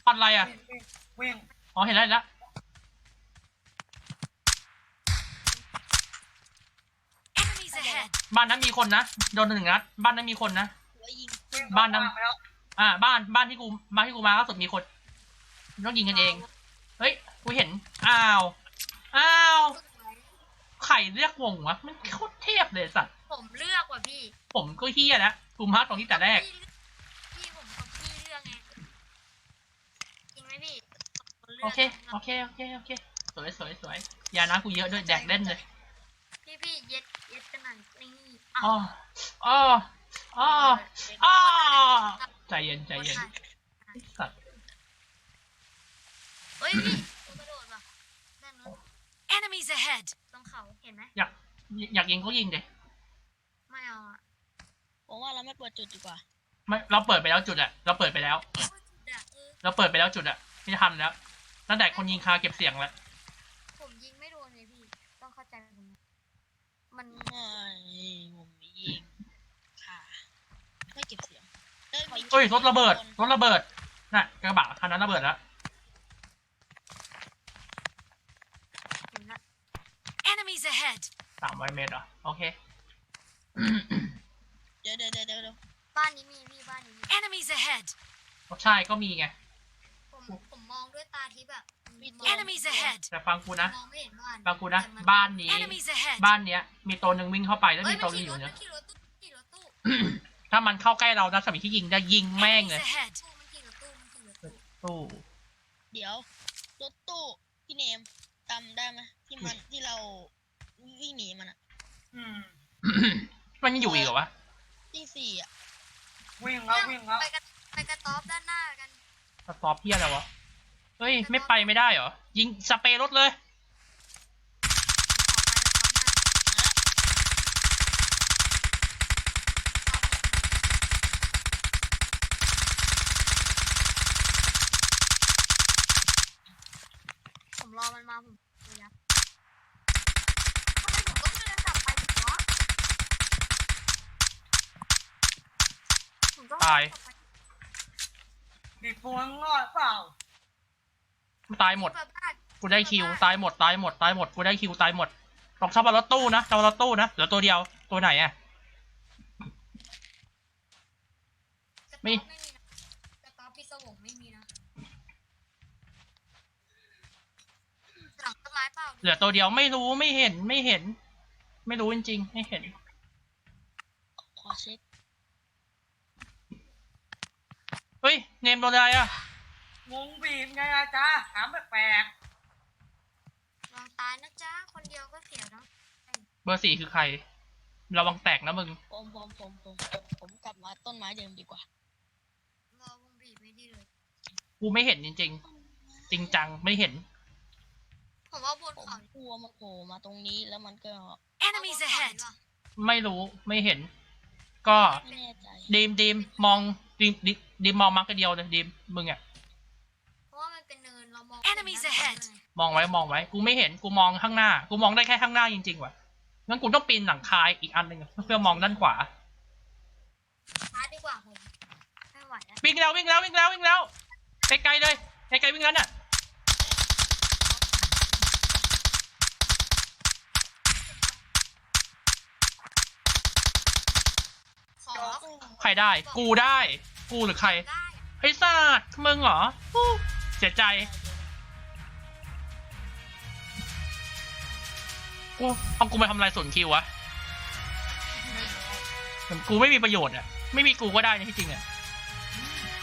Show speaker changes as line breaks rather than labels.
ปันอะไรอ่ะ
วิ่ง
อ๋อเห็นแล้ว
Enemies ahead.
บ้านนั้นมีคนนะโดน1 นัดบ้านนั้นมีคนนะ
หัวยิง
วิ่ง
บ้านนั้น
ไปแล้ว
บ้านที่กูมาล่าสุดมีคนต้องยิงกันเองเฮ้ยกูเห็นอ้าวไข่เรียกวงวะมันโคตรเทพเลยสัตว์
ผมเลือกว่ะพี่
ผมก็เฮี้ยนะกูมาตรงที่แต่แรก
พี่ผมกับพี่เลือกไงจริงไหมพี่
โอเคสวยยานะกูเยอะด้วยแดกเล่นเลย
พี่เย็ดกันหน่อยนี่
อ๋อใจเย็นสัตว์
เฮ้ยพี่กระโดดว่ะด้านนู้น Enemies ahead ตรงเขาเห็นไหม
อยากยิงก็ยิงเด
ไม่เอาอ่ะ
ผมว่าเราไม่เปิดจุดดีกว่า
ไม่เราเปิดไปแล้วจุดอะเราเปิดไปแล้วจุดอะไม่ทันแล้วตั้งแต่คนยิงคาเก็บเสียงแล้ว
ผมยิงไม่โดนเลยพี่ต้องเข้าใจผมมัน
ไม่ผมยิงค่ะไม่เก็บเสียง
เฮ้ยรถระเบิดน่ะกระบะคันนั้นระเบิดแล้ว
เห็นละ
Enemies ahead.
300 เมตรเหรอโอเค
เดี๋ยว
บ้านนี้มีพี่บ้านนี้มี
Enemies ahead.
ใช่ก็มีไง
ผมมองด้วยตาทิพย์แบบ
Enemies ahead.
แต่ฟังกูนะ
มองไม่เห็นบ้าน
ฟังกูนะบ้านนี้
Enemies ahead.
บ้านเนี้ยมีตัวหนึ่งวิ่งเข้าไปแล้ว
เฮ้
มี
ย
ตัว
มัน
นึงอยู่
ขี่รถ
เนี่ย
ขี่รถตู้
ถ้ามันเข้าใกล้เรานะสมัยที่ยิงจะยิงแม่งเลย
Enemies ahead.
มันขี่รถตู้
ตู้
เดี๋ยวรถตู้พี่เนมจำได้ไหมที่เราวิ่งหนีมันอะ
อืม
มันยังอยู่อีกเหรอวะ
ที่4อะ
วิ่งแล้ววิ่งแล้ว
ไปกระต๊อบด้านหน้ากัน
สต็อปเพี้ยอะไรวะเฮ้ยไม่ไปไม่ได้เหรอยิงสเปรย์รถเลย
ผมรอมันมาผมเลยนะทำไมผมต้องเดินกลับไปอีกวะผมต้อง
ตาย
ดีปูนงอดเปล่า
ตายหมดกูได้คิวตายหมดกูได้คิวตายหมดต้องชอบรถตู้นะเหลือตัวเดียวตัวไหนอะไม่
กระต๊อบพี่สวงไม่มีนะหลังต้นไม้เปล่า
เหลือตัวเดียวไม่รู้ไม่เห็นไม่รู้จริงๆไม่เห็น
ขอเช็ค
เฮ้ยเนมโดนอะไรอะ
วงบีบไงอาจารย์ถามแปลก
ลองตายนะจ๊ะคนเดียวก็เสียแล้ว
เบอร์ 4คือใครระวังแตกนะมึง
ผมกลับมาต้นไม้เดิมดีกว่า
รอวงบีบไม่ดีเลย
กูไม่เห็นจริงๆจริงจังไม่เห็น
ผมว่าบน
ผม
เขา
กลัวมันโผล่มาตรงนี้แล้วมันก็
Enemies ahead.
ไม่รู้ไม่เห็น ก็
ไม่แน่ใจ
ดีมมองดีมมองมาร์กเดียวเลยดีมมึงอะ
เพราะว่ามันเป็นเนินเรามอง
Enemies ahead
มองไว้กูไม่เห็นกูมองข้างหน้ากูมองได้แค่ข้างหน้าจริงๆว่ะงั้นกูต้องปีนหลังคาอีกอันหนึ่งเพื่อมองด้านขวา
ช้าดีกว่าผมไม่ไหวแล้ว
วิ่งแล้วไกลๆเลยไกลๆวิ่งแล้วน่ะ
ขอ
ใครได้กูหรือใคร
ได้
ไอ้สัตว์มึงเหรอฮู้เสียใจกูไปทำอะไรส่วนคิววะ กูไม่มีประโยชน์อ่ะไม่มีกูก็ได้นะที่จริงอ่ะ